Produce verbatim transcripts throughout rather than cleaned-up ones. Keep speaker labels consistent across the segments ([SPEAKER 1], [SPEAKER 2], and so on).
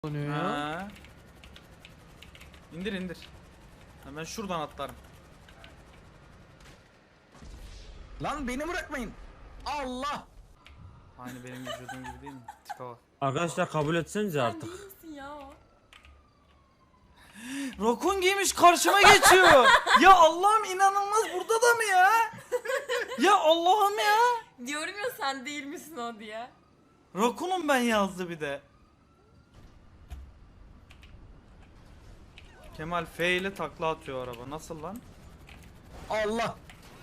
[SPEAKER 1] Ha. İndir indir. Hemen şuradan atlarım.
[SPEAKER 2] Lan beni bırakmayın. Allah.
[SPEAKER 1] Aynı benim vücudum gibi değil mi? Tipe bak.
[SPEAKER 3] Arkadaşlar kabul etsenize artık.
[SPEAKER 4] Sen değil misin ya o?
[SPEAKER 1] Rokun giymiş karşıma geçiyor. Ya Allah'ım inanılmaz, burada da mı ya? Ya Allah'ım ya.
[SPEAKER 4] Diyorum ya sen değil misin o diye.
[SPEAKER 1] Rokun'um ben yazdı bir de. Kemal F ile takla atıyor araba. Nasıl lan?
[SPEAKER 2] Allah.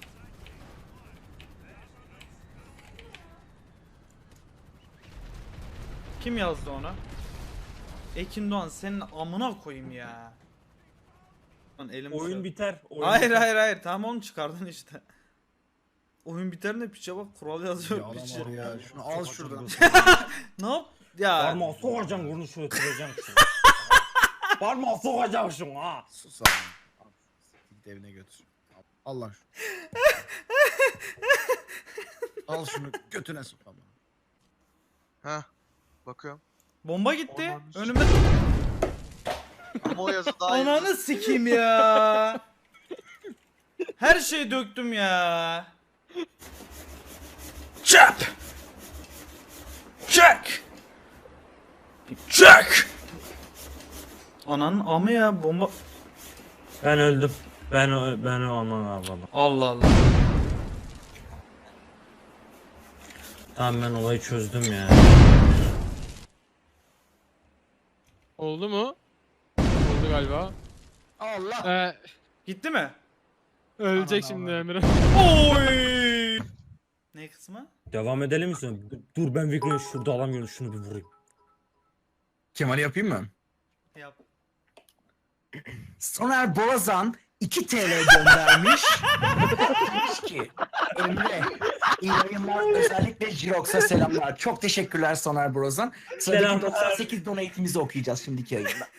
[SPEAKER 1] Kim yazdı onu? Ekin Doğan, senin amına koyayım ya. Lan elim
[SPEAKER 3] Oyun
[SPEAKER 1] şu-
[SPEAKER 3] biter. Oyun
[SPEAKER 1] Hayır
[SPEAKER 3] biter.
[SPEAKER 1] hayır hayır, tamam onu çıkardın işte. Oyun biter ne piçe bak, kural yazıyor piçe.
[SPEAKER 2] Ya şunu al şuradan.
[SPEAKER 1] Ne yap? Ya
[SPEAKER 3] Parmağı sokacağım bunu şöyle kıracağım şunu. Parmağı sokacağım şunu ha.
[SPEAKER 2] Sus abi. Al, git evine götür. Al, al lan şunu. Al şunu götüne sok ama.
[SPEAKER 5] Ha, bakıyorum.
[SPEAKER 1] bomba gitti.
[SPEAKER 5] Ananı
[SPEAKER 1] Önüme
[SPEAKER 5] Ama o yazı daha iyi.
[SPEAKER 1] ananı sikeyim ya. Her şeyi döktüm ya. Çap. Çak. Çak. Ananın amı ya, bomba.
[SPEAKER 3] Ben öldüm. Ben ö- ben o aman Allah'ım.
[SPEAKER 1] Allah Allah.
[SPEAKER 3] Tamam ben olayı çözdüm ya.
[SPEAKER 6] Oldu mu? Oldu galiba.
[SPEAKER 2] Allah.
[SPEAKER 6] Ee,
[SPEAKER 1] Gitti mi?
[SPEAKER 6] ölecek
[SPEAKER 2] Aman
[SPEAKER 6] şimdi
[SPEAKER 2] Allah'ım.
[SPEAKER 6] Emre.
[SPEAKER 1] Oy. Ne kısmı?
[SPEAKER 3] Devam edelim mi sonra? Dur ben Vigo'yu şurada alamıyorum, şunu bir vurayım.
[SPEAKER 2] Kemal'i yapayım mı?
[SPEAKER 1] Yap.
[SPEAKER 2] Soner Borazan iki T L göndermiş. Demiş ki Emre iyi yayınlar, özellikle Jirox'a selamlar. Çok teşekkürler Soner Borazan. Sıradaki
[SPEAKER 3] Selamlar.
[SPEAKER 2] doksan sekiz donate'imizi okuyacağız şimdiki yayında.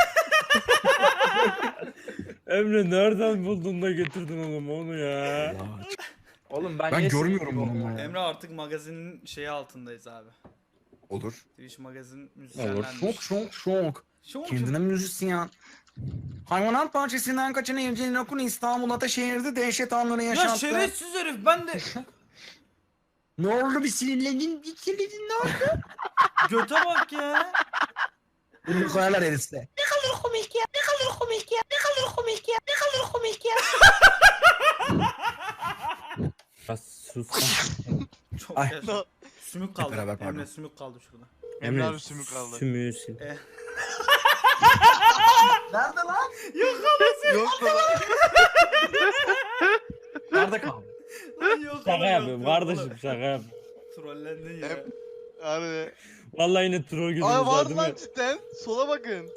[SPEAKER 3] Emre nereden buldun da getirdin oğlum onu ya?
[SPEAKER 7] Oğlum ben,
[SPEAKER 2] Ben
[SPEAKER 7] niye
[SPEAKER 2] görmüyorum
[SPEAKER 7] sinirliyim
[SPEAKER 2] bunu
[SPEAKER 7] oğlum
[SPEAKER 2] ya.
[SPEAKER 1] Emre artık magazinin şeyi altındayız abi.
[SPEAKER 2] Olur.
[SPEAKER 1] Twitch magazin
[SPEAKER 2] Olur.
[SPEAKER 1] müzisyenlenmiş.
[SPEAKER 2] Şok şok şok.
[SPEAKER 1] Şok.
[SPEAKER 2] Kendine müzisyen. Hayvanat bahçesinden kaçan evcinin okun İstanbul Ataşehir'de dehşet anları
[SPEAKER 1] Ya
[SPEAKER 2] yaşattı.
[SPEAKER 1] şerefsiz herif, ben de
[SPEAKER 2] Ne oldu, bir sinirlendin, bir sinirlendin, ne oldu?
[SPEAKER 1] göte bak ya.
[SPEAKER 2] Bunu koyarlar herifle.
[SPEAKER 4] Ne kadar komik ya. Ne kadar komik ya. Ne kadar komik ya. Ne kadar komik ya.
[SPEAKER 3] Biraz sus lan.
[SPEAKER 1] Çok
[SPEAKER 2] Ay.
[SPEAKER 1] yaşa. Sümük kaldı.
[SPEAKER 2] beraber, pardon.
[SPEAKER 1] Emre sümük kaldı şurada.
[SPEAKER 5] Emre abi sümük kaldı.
[SPEAKER 3] Sümüğü sil.
[SPEAKER 2] Nerede lan?
[SPEAKER 5] Yok da lan.
[SPEAKER 2] Nerede kaldı?
[SPEAKER 1] Lan yok
[SPEAKER 3] Şaka
[SPEAKER 1] oğlum,
[SPEAKER 3] yapıyorum
[SPEAKER 1] yok,
[SPEAKER 3] kardeşim,
[SPEAKER 1] yok.
[SPEAKER 3] şaka yapıyorum.
[SPEAKER 1] Trollendin ya.
[SPEAKER 5] Hep- Abi.
[SPEAKER 3] Vallahi yine troll gözünüz
[SPEAKER 5] Aa
[SPEAKER 3] var
[SPEAKER 5] var
[SPEAKER 3] değil
[SPEAKER 5] lan
[SPEAKER 3] mi?
[SPEAKER 5] cidden. Sola bakın.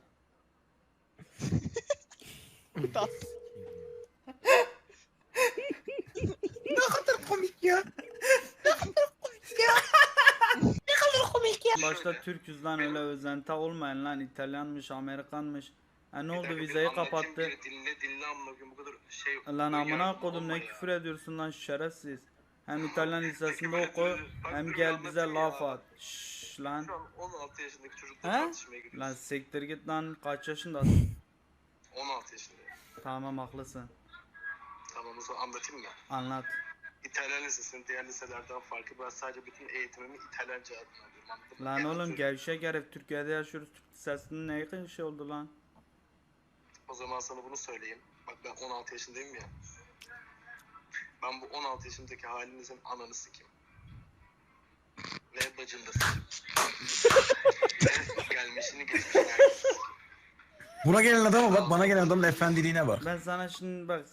[SPEAKER 2] Ne kadar komik ya.
[SPEAKER 1] Başta Türküz lan, öyle özenti olmayan lan, İtalyanmış, Amerikanmış. Ha ne oldu, vizeyi kapattı.
[SPEAKER 8] Dinle dinle amına koyayım, bu kadar şey.
[SPEAKER 1] Lan amına kodum, ne küfür ediyorsun lan şerefsiz. Hem İtalyan lisesinde oku, hem gel bize laf at. Şşş lan.
[SPEAKER 8] Şu an on altı yaşındaki çocukla
[SPEAKER 1] He?
[SPEAKER 8] tartışmaya giriyoruz.
[SPEAKER 1] Lan siktir git lan, kaç yaşındasın?
[SPEAKER 8] on altı yaşındayım.
[SPEAKER 1] Tamam haklısın.
[SPEAKER 8] Tamam, o zaman anlatayım mı?
[SPEAKER 1] Anlat.
[SPEAKER 8] İtalyan lisesinin diğer liselerden farkı, ben sadece bütün eğitimimi İtalyanca adına alıyorum. Anladın mı?
[SPEAKER 1] Lan
[SPEAKER 8] En
[SPEAKER 1] oğlum
[SPEAKER 8] azı-
[SPEAKER 1] gevşek herif, Türkiye'de yaşıyoruz, Türk lisesinin ne yakın şey oldu lan?
[SPEAKER 8] O zaman sana bunu söyleyeyim. Bak ben on altı yaşındayım ya. Ben bu on altı yaşındaki halinizin ananı sikeyim. Ve bacını da sikeyim. Ve gelmişini geçmişini herkes.
[SPEAKER 2] Buna gelen adama bak, bana gelen adamın efendiliğine bak.
[SPEAKER 1] Ben sana şimdi bak,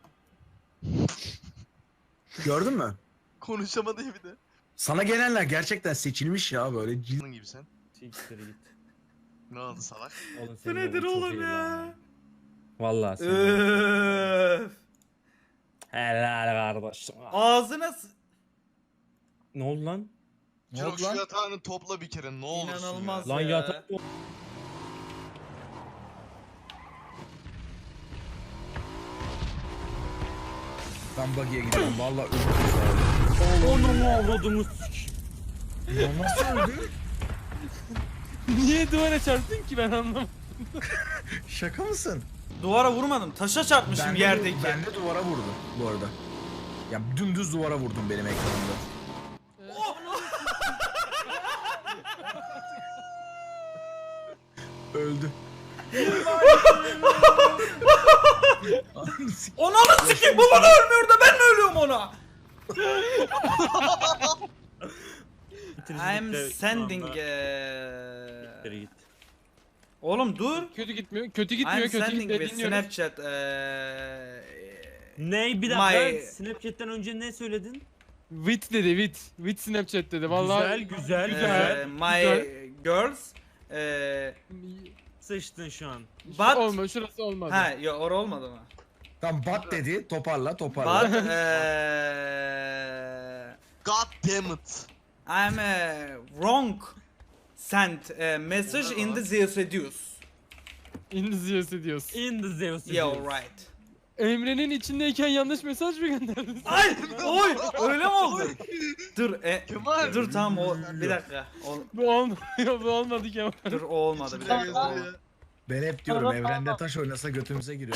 [SPEAKER 2] Gördün mü?
[SPEAKER 5] Konuşamadı ya bir de.
[SPEAKER 2] Sana gelenler gerçekten seçilmiş ya, böyle cil...
[SPEAKER 5] Bunun gibi sen.
[SPEAKER 3] Siktir git.
[SPEAKER 5] Ne oldu salak?
[SPEAKER 3] Oğlum
[SPEAKER 1] bu
[SPEAKER 3] senin
[SPEAKER 1] nedir
[SPEAKER 3] oğlun çok
[SPEAKER 1] oğlum
[SPEAKER 3] iyi
[SPEAKER 1] ya?
[SPEAKER 3] lan. Vallahi sen.
[SPEAKER 1] Öf.
[SPEAKER 3] Helal kardeşim.
[SPEAKER 1] Ağzına s-
[SPEAKER 3] Ne oldu lan?
[SPEAKER 2] Ne
[SPEAKER 5] Çok
[SPEAKER 2] oldu
[SPEAKER 5] şu
[SPEAKER 2] lan?
[SPEAKER 5] yatağını topla bir kere ne olursun
[SPEAKER 1] İnanılmaz.
[SPEAKER 5] ya.
[SPEAKER 3] Lan
[SPEAKER 1] Ee?
[SPEAKER 3] yatak.
[SPEAKER 2] Ben buggy'e gidiyorum, valla öldüm.
[SPEAKER 3] Onu mu avradımız?
[SPEAKER 2] Ya nasıl öldü?
[SPEAKER 6] Niye duvara çarptın ki ben anlamadım.
[SPEAKER 2] Şaka mısın?
[SPEAKER 1] Duvara vurmadım. Taşa çarpmışım
[SPEAKER 2] Ben de,
[SPEAKER 1] yerdeki.
[SPEAKER 2] ben de duvara vurdum bu arada. Ya dümdüz duvara vurdum benim ekranımda. Öldü.
[SPEAKER 1] Ananı sikeyim, bu bana ölmüyor da ben mi ölüyorum ona? I'm sending eee...
[SPEAKER 3] Git.
[SPEAKER 1] Oğlum dur.
[SPEAKER 6] Kötü gitmiyor. Kötü gitmiyor.
[SPEAKER 1] I'm
[SPEAKER 6] Kötü
[SPEAKER 1] sending
[SPEAKER 6] gitmiyor.
[SPEAKER 1] with
[SPEAKER 6] Dinliyorum.
[SPEAKER 1] Snapchat eee...
[SPEAKER 3] Ne bir dakika
[SPEAKER 1] My-
[SPEAKER 3] Snapchat'ten önce ne söyledin?
[SPEAKER 6] Wit dedi Wit. Wit Snapchat dedi. Vallahi
[SPEAKER 3] Güzel güzel
[SPEAKER 1] eee,
[SPEAKER 3] güzel.
[SPEAKER 1] my girls eee...
[SPEAKER 3] Sıçtın şu an.
[SPEAKER 1] But...
[SPEAKER 6] olmadı. Şurası olmadı.
[SPEAKER 1] Ha, ya or olmadı mı?
[SPEAKER 2] Tam bat dedi, toparla toparla.
[SPEAKER 1] But eee...
[SPEAKER 5] God damn it.
[SPEAKER 1] I'm eee, wrong sent a message in the Zeus Reduce.
[SPEAKER 6] İngilizce ediyorsun.
[SPEAKER 3] In the Zeus.
[SPEAKER 1] Yeah, right.
[SPEAKER 6] Emre'nin içindeyken yanlış mesaj mı gönderdin?
[SPEAKER 1] Ay, oy, öyle mi oldu? Dur, e,
[SPEAKER 5] Kemal.
[SPEAKER 1] dur tamam o, bir dakika. O,
[SPEAKER 6] Bu olmadı. Bu olmadı ki ama.
[SPEAKER 1] dur o olmadı bir dakika.
[SPEAKER 2] Ben hep diyorum evrende taş oynasa götümüze giriyor.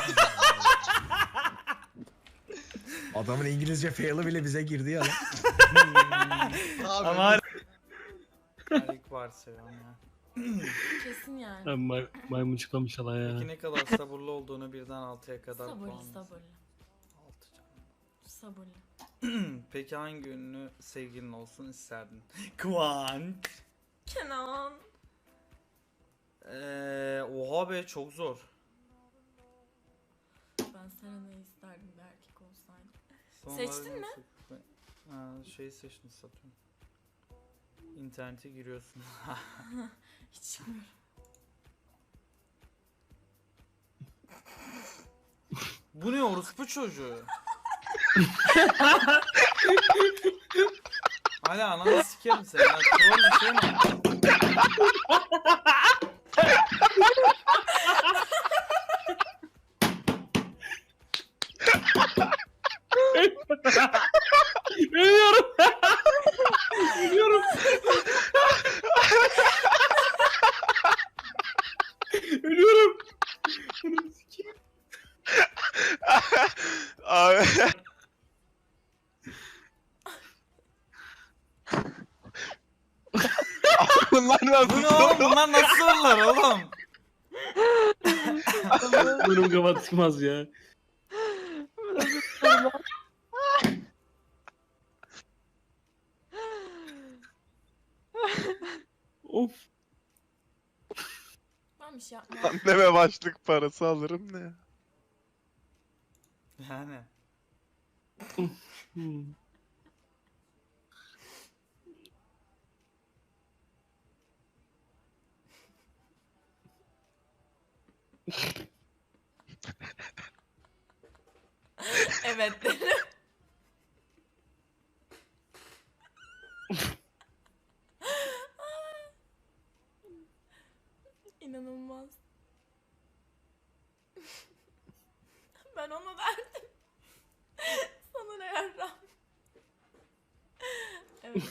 [SPEAKER 2] Adamın İngilizce fail'ı bile bize girdi ya lan.
[SPEAKER 5] Abi.
[SPEAKER 1] Ama Alik var selam ya.
[SPEAKER 7] Kesin yani.
[SPEAKER 9] Ben may maymun çıkamış hala ya.
[SPEAKER 1] Peki ne kadar sabırlı olduğunu birden altıya kadar
[SPEAKER 7] Sabırlı
[SPEAKER 1] puanlasın.
[SPEAKER 7] sabırlı.
[SPEAKER 1] Altı canım.
[SPEAKER 7] Sabırlı.
[SPEAKER 1] Peki hangi ünlü sevgilin olsun isterdin? Kıvanç.
[SPEAKER 7] Kenan.
[SPEAKER 1] Eee, oha be çok zor.
[SPEAKER 7] Ben Serena'yı isterdim bir erkek olsaydı. Seçtin mi?
[SPEAKER 1] Ha, şey seçtim satıyorum. İnternete giriyorsun.
[SPEAKER 7] Hiç bilmiyorum.
[SPEAKER 1] Bu ne orospu çocuğu? Hala ananı sikerim seni. Ya, troll bir şey mi?
[SPEAKER 6] Ölüyorum. Ölüyorum. Ölüyorum.
[SPEAKER 5] Abi. Bunlar nasıl?
[SPEAKER 1] Bu ne oğlum? Bunlar nasıl sorular oğlum?
[SPEAKER 9] Burnum kafa çıkmaz ya. Of.
[SPEAKER 7] Ben bir şey yapmam.
[SPEAKER 5] Anneme başlık parası alırım ne?
[SPEAKER 1] Yani.
[SPEAKER 9] Hmm.
[SPEAKER 7] Evet. İnanılmaz. Ben ona derdim. Sana ne yarram. Evet.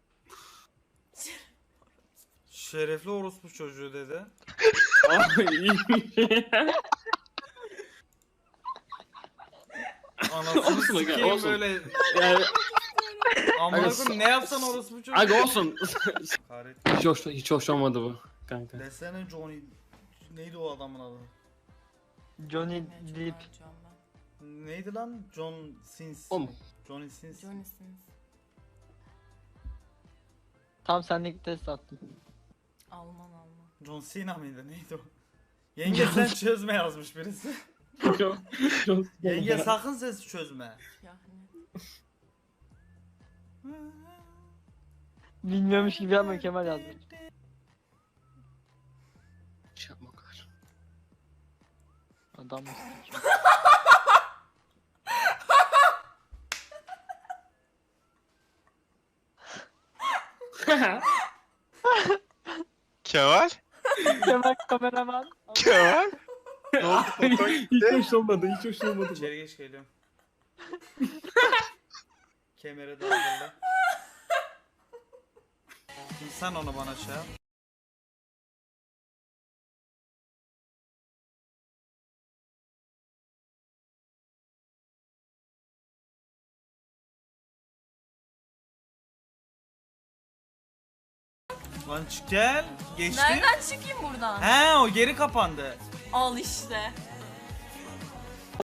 [SPEAKER 1] Şerefli orospu çocuğu dedi.
[SPEAKER 9] Abi iyiymiş.
[SPEAKER 1] Anasını
[SPEAKER 9] Olsun aga,
[SPEAKER 1] sikeyim
[SPEAKER 9] olsun.
[SPEAKER 1] böyle.
[SPEAKER 9] Yani
[SPEAKER 1] Amına
[SPEAKER 9] Aga,
[SPEAKER 1] koyayım ne yapsan orospu çocuğu.
[SPEAKER 9] aga olsun.
[SPEAKER 1] Kahretsin.
[SPEAKER 9] hiç hoş hiç hoş olmadı bu kanka.
[SPEAKER 1] Desene Johnny. Neydi o adamın adı?
[SPEAKER 7] Johnny Depp.
[SPEAKER 1] Neydi lan? John Sins.
[SPEAKER 9] Oğlum.
[SPEAKER 1] Johnny Sins.
[SPEAKER 7] Johnny Sins.
[SPEAKER 10] Tam senlik test attım.
[SPEAKER 7] Alman Alman.
[SPEAKER 1] John Cena mıydı? Neydi o? Yenge sen çözme yazmış birisi. Yenge sakın ses çözme.
[SPEAKER 7] Yani.
[SPEAKER 10] Bilmiyormuş gibi yapma Kemal yazmış.
[SPEAKER 9] Şey yapma o kadar.
[SPEAKER 10] Adam mısın?
[SPEAKER 5] Kemal?
[SPEAKER 10] Kemal kameraman.
[SPEAKER 5] Kemal? Ne oldu? Foto
[SPEAKER 9] hiç
[SPEAKER 5] gitti.
[SPEAKER 9] hoş olmadı hiç hoş olmadı.
[SPEAKER 1] İçeri geç geliyorum. Kemere de hazırla. Şimdi sen onu bana şey yap. Lan çık gel. Geçti.
[SPEAKER 7] Nereden çıkayım buradan?
[SPEAKER 1] He o geri kapandı.
[SPEAKER 7] Al işte.